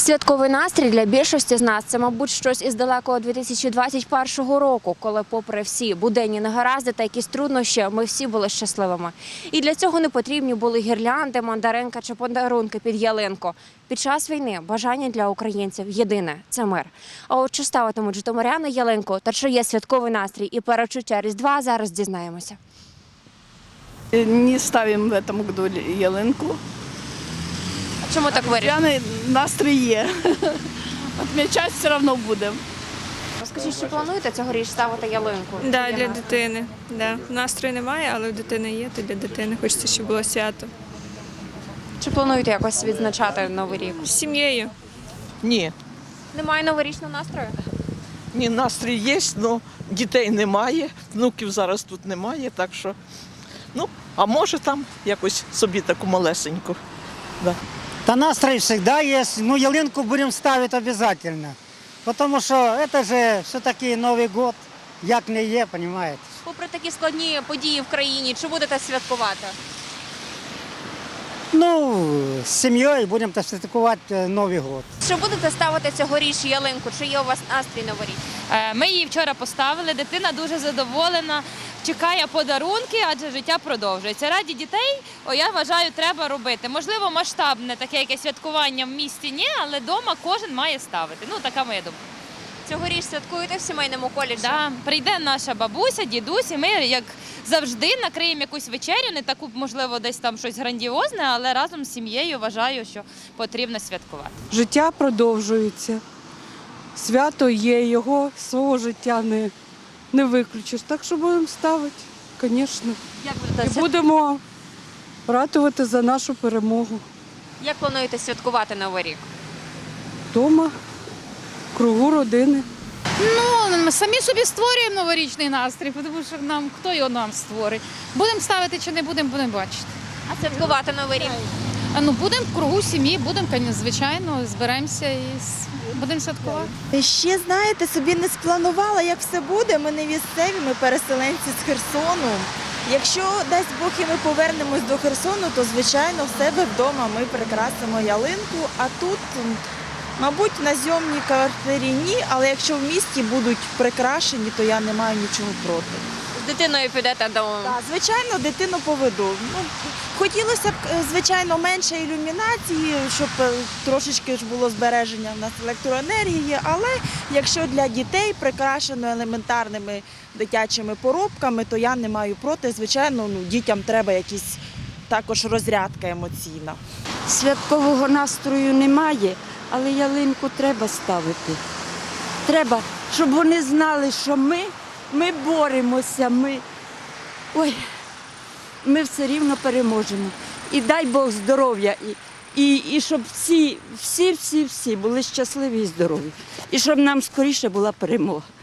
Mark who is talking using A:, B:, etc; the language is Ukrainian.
A: Святковий настрій для більшості з нас – це, мабуть, щось із далекого 2021 року, коли попри всі буденні негаразди та якісь труднощі, ми всі були щасливими. І для цього не потрібні були гірлянди, мандаринка чи подарунки під ялинку. Під час війни бажання для українців єдине – це мир. А от чи ставитимуть житомиряни ялинку та чи є святковий настрій і перечуття Різдва – зараз дізнаємося.
B: Не ставим в этом году ялинку.
A: А чому так вирішили?
B: Різдвяний настрій є. Отмічати все одно будемо.
A: Розкажіть, чи плануєте цьогоріч ставити ялинку?
C: Да, для дитини. Да. Настрою немає, але в дитини є, то для дитини хочеться, щоб було свято.
A: Чи плануєте якось відзначати Новий рік?
C: З сім'єю.
D: Ні,
A: Немає новорічного настрою?
D: ні, настрій є, але дітей немає, внуків зараз тут немає, так що, а може там якось собі таку малесеньку. Да.
E: Да настрой всегда есть, но ялинку будем ставить обязательно. Потому что это же все-таки Новый год, як не є, понимаете.
A: Попри такі складні події в країні, чи будете святкувати?
E: Ну, з сім'єю будемо святкувати Новий год.
A: Чи будете ставити цьогоріч ялинку? Чи є у вас настрій новорічний?
F: Ми її вчора поставили, дитина дуже задоволена, чекає подарунки, адже життя продовжується. Раді дітей, я вважаю, треба робити. Можливо, масштабне таке якесь святкування в місті ні, але вдома кожен має ставити. Така моя думка.
A: Цьогоріч святкуєте в сімейному колі?
F: Да, прийде наша бабуся, дідусь, і ми, як завжди, накриємо якусь вечерю, не таку, можливо, десь там щось грандіозне, але разом з сім'єю вважаю, що потрібно святкувати.
G: Життя продовжується. Свято є, його свого життя не виключиш. Так що будемо ставити, звісно.
A: Як
G: І
A: будете
G: будемо ратувати за нашу перемогу.
A: Як плануєте святкувати Новий рік?
G: Дома, в кругу родини.
H: Ми самі собі створюємо новорічний настрій, тому що хто його нам створить. Будемо ставити чи не будемо, будемо бачити.
A: А святкувати Новий рік?
H: Будемо в кругу сім'ї, будемо, звичайно, зберемося і будемо святкувати.
I: Ще, знаєте, собі не спланувала, як все буде. Ми не місцеві, ми переселенці з Херсону. Якщо, дасть Бог, і ми повернемось до Херсону, то, звичайно, в себе вдома ми прикрасимо ялинку, а тут, мабуть, на зйомній квартирі ні, але якщо в місті будуть прикрашені, то я не маю нічого проти.
A: З дитиною підете до...
I: Так, звичайно, дитину поведу. Хотілося б, звичайно, менше ілюмінації, щоб трошечки ж було збереження в нас електроенергії, але якщо для дітей прикрашено елементарними дитячими поробками, то я не маю проти. Звичайно, дітям треба якась також розрядка емоційна.
J: Святкового настрою немає, але ялинку треба ставити. Треба, щоб вони знали, що ми боремося, ми все рівно переможемо. І дай Бог здоров'я, і щоб всі були щасливі і здорові. І щоб нам скоріше була перемога.